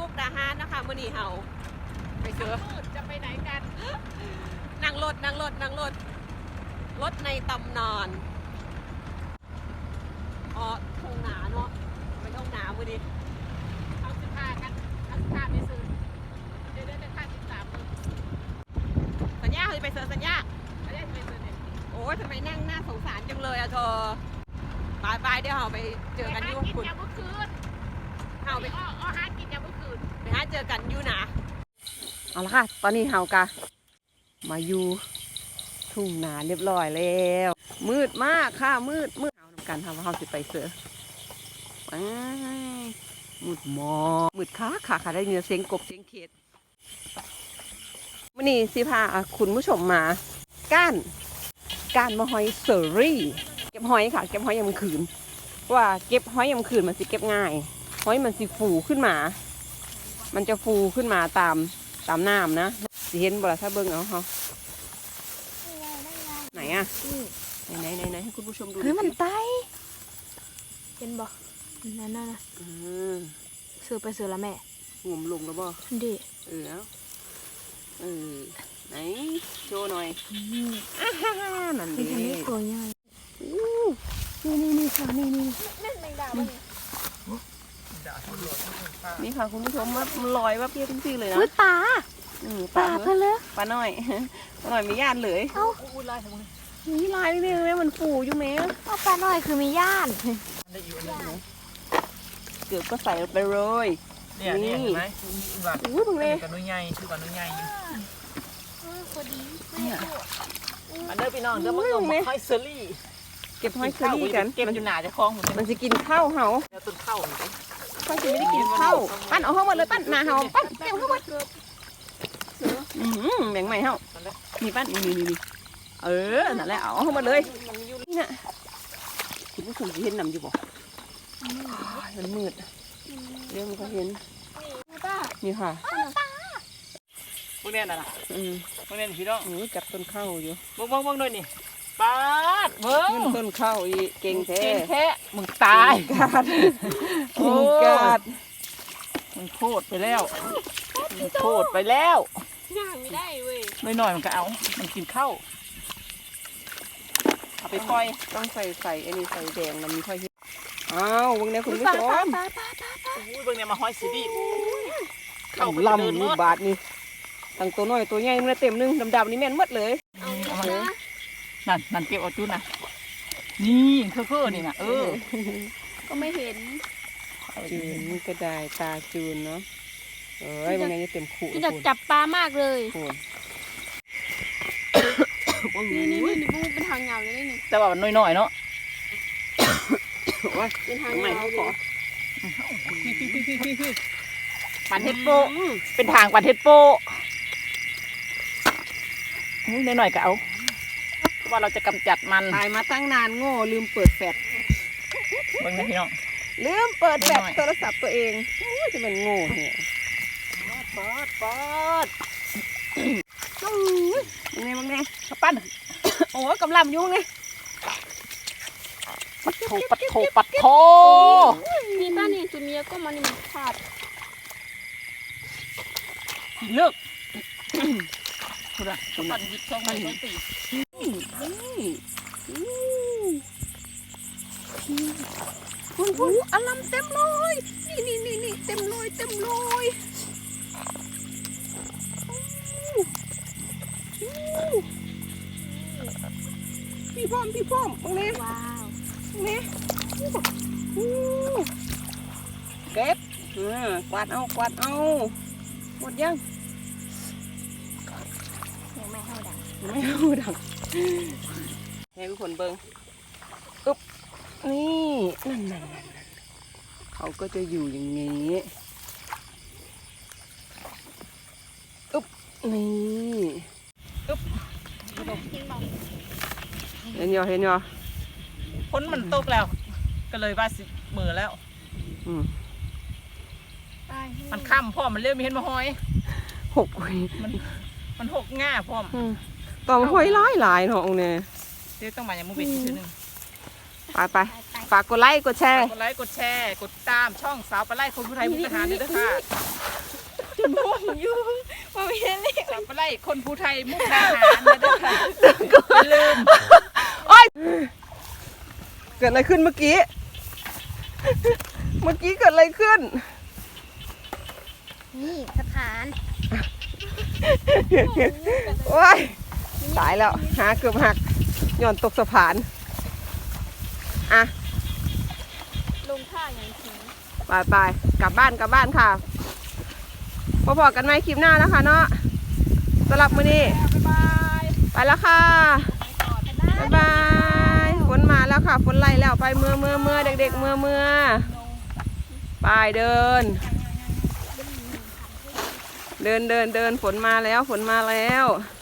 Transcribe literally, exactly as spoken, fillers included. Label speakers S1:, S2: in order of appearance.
S1: มุกดาหารนะคะมื้อนี้เฮาไปเจอจะไปไหนกันนั่งรถนั่งรถนั่งรถรถในตำนานอ๋อทงหนาเนาะไปทงหนามื้อนี้เอาสิพากันเอาสิพาไปซื้อเดี๋ยวเดี๋ยวจะข้างที่สามเลยสัญญาคือไปเจอสัญญาสัญญาจะไปเจอเนี่ยโอ้ยทำไมนั่งหน้าสงสารจังเลยอะเธอไปไปเดี๋ยวเราไปเจอกันอยู่คุณเอาไปเอาหากินยามเมื่อคืนไปหาเจอกันอยู่นะเอาละค่ะตอนนี้เฮากะมาอยู่ทุ่งนาเรียบร้อยแล้วมืดมากค่ะมืดมืดเอานำกันทำว่าเฮาสิไปเสือไปมืดมอมืดค่ะค่ะค่ะได้เนื้อเสียงกบเสียงเขียดวันนี้สิพาคุณผู้ชมมาก้านก้านมะฮอยเซอรี่เก็บหอยค่ะเก็บหอยยามคืนว่าเก็บหอยยามคืนมันสิเก็บง่ายหอยมันสิฟูขึ้นมามันจะฟูขึ้นมาตามตามน้ำนะสิเห็นบ่ล่ะถ้าเบิ่งเอาเขาไหนอ่ะไหนไหนไหนให้คุณผู้ชมดูเฮ้ยมันไต
S2: เห็นบ่นั่นน่ะ
S1: อืม
S2: ซื้อไปซื้อละแม่
S1: งมลงแล้วบ่
S2: ดิ
S1: เออเอาเออไหนโชว์หน่อยนั่นดิ
S2: นี่ตัวใหญ่นี่นี่นี่ค่ะนี่นี่นั่นแมงดาบ่
S1: นี่ค่ะคุณผู้ชมว่ามันลอยว่าเพี้ยจริงๆเลยนะ
S2: ปลา
S1: ปลา
S2: เพื่อเลย
S1: ปลาหน่อยปลาหน่อยมีญาติเลย
S2: เอ้า
S1: ลายทำไมนี่ลายนี่เลยมันฟูอยู่ไหม
S2: เอาปลาหน่อยคือมีญาติ
S1: เกือบก็ใส่ไปเลย
S3: เนี่ยนี่เห็นไหม
S1: อู้ตรงนี้
S3: กับนุ่ยใหญ่ชื่อกับนุ่ยใหญ่
S2: พอดี
S3: อันเดอร์พี่น้องเดอร์มันลงหอยเซอรี่
S1: เก็บหอยเซอรี่กัน
S3: เก็บอยู่หนาจะคล้อง
S1: มันจะกินข้าวเหา
S3: แล้วต้นข้าวมัน
S1: ข้าวจะไม่ได้กินข้าวปั้นเอาเข้ามาเลยปั้นหนาเหาปั้นเก็บเข้ามาอืมแบ่งใหม่เหามีปั้นนี่นี่นี่เออนั่นแหละเอาเข้ามาเลยนี่น่ะคุณผู้ชมจะเห็นนำอยู่บ่มันมืดเรื่องมันก็เห็นนี่ค่ะ
S3: พวกนี้น่ะ
S1: อืม
S3: พวกนี้พี่น้อง
S1: จับต้นข้าวอยู่
S3: บ้งบ้งบ้งด้วยนี่ปาดเบิ้ง
S1: ต้นข้าวอีเก่งแท้
S3: เก่งแท้มึงตาย
S1: กาดโอ้กาด
S3: มันโคตรไปแล้วมันโคตรไปแล้ว
S2: ย่างไม่ได้เว้ย
S3: ไม่หน่อยมันก็เอามันกินข้าวเอาไปปล่อย
S1: ต้องใส่ใส่อันนี้ใส่แดงมันมีค่อยอ้าววงนี้คุณผู้ชม
S3: อุ้ยเบิ้งเนี่ยมาห้อยสีดี
S1: เข้าลำนี่บาทนี่ตั้งตัวน้อยตัวใหญ่มันเต็มนึงดำๆนี่แม่นหมดเลย
S3: นั่นนั่นเก็บเอาจุดนะนี่เพื่อๆนี่นะเออ
S2: ก็ไม่เห็น
S1: จูนกระดายตาจูนเนาะเอ้ยมันยังเต็มขู่
S2: อยากจับปลามากเลยนี่นี่นี่นี่เป็นทางยาวเลยนี่
S3: แต่ว่ามันน้อยๆเนาะ
S2: เป็นทางใหม่เขาขอ
S3: ปันเทปโปเป็นทางปันเทปโปนิดหน่อยก็เอาว่าเราจะกำจัดมัน
S1: ตายมาตั้งนานโง่ลืมเปิดแฟลช
S3: เบิ่งนะพี่น้อง
S1: ลืมเปิดแฟลชโทรศัพท์ตัวเองจะเป็นโง่เนี่ยปอดปอดยังไงบ้างไง
S3: ปั้น
S1: โอ้กำลังยุ่งเลย
S3: ปัดโถปัดโถปัดโถ
S2: นี่ป้านี่จุดนี้ก็มันมันขาด
S3: เลิกคุณอะคุณปั้นหยิบช่องมันตี
S1: คุณคุณอลัมเต็มเลยนี่นี่นี่นี่เต็มเลยเต็มเลยพี่พร้อมพี่พร้อมตรงนี้
S2: ว้าว
S1: นี่เก็บกวาดเอากวาดเอาหมดยัง
S2: ยังไม่เข้าดัง
S1: ไม่เข้าดังให้ทุกคนเบิ้งอึ๊บนี่นั่นนั่นนั่นเขาก็จะอยู่อย่างนี้อึ๊บนี่อึ๊บเห็นยังเห็นยัง
S3: ฝนมันตกแล้วก็เลยว่าสิมือแล้วมันค่ำพ่อมันเริ่มเห็นมาหอย
S1: หก
S3: มันมันหกง่าพ่อม
S1: ต่อหอยร้ายหลายเนาะองเนี่ย
S3: เดี๋ยวต้องมาอย่างมุ้งเป็นทีนึง
S1: ไปไปฝากกดไลค์กดแชร์
S3: กดไลค์กดแชร์กดตามช่องสาวปลาไหลคนผู้ไทยมุกทหารด้วยค่ะ
S2: ม่วงอยู่มาเห็นเลย
S3: สับปะไลคนภูไทยมุกดาหารนะเด้อค่ะอย่าลืม
S1: โอ๊ยเกิดอะไรขึ้นเมื่อกี้ เมื่อกี้เกิดอะไรขึ้น
S2: นี่สะพาน
S1: โอ๊ยตายแล้วหาเกือบหักย่อนตกสะพานอ่ะ
S2: ลงท่าอย่างถึง
S1: ไปไปกลับบ้านกลับบ้านค่ะพบกันไหมคลิปหน้านะคะเนาะสำหรับมื้อนี้ไปแล้วค่ะบ๊ายบายฝนมาแล้วค่ะฝนไล่แล้วไปเมื่อเมื่อเมื่อเด็กๆเมื่อเมื่อไปเดิน เดินเดินเดินฝนมาแล้วฝนมาแล้ว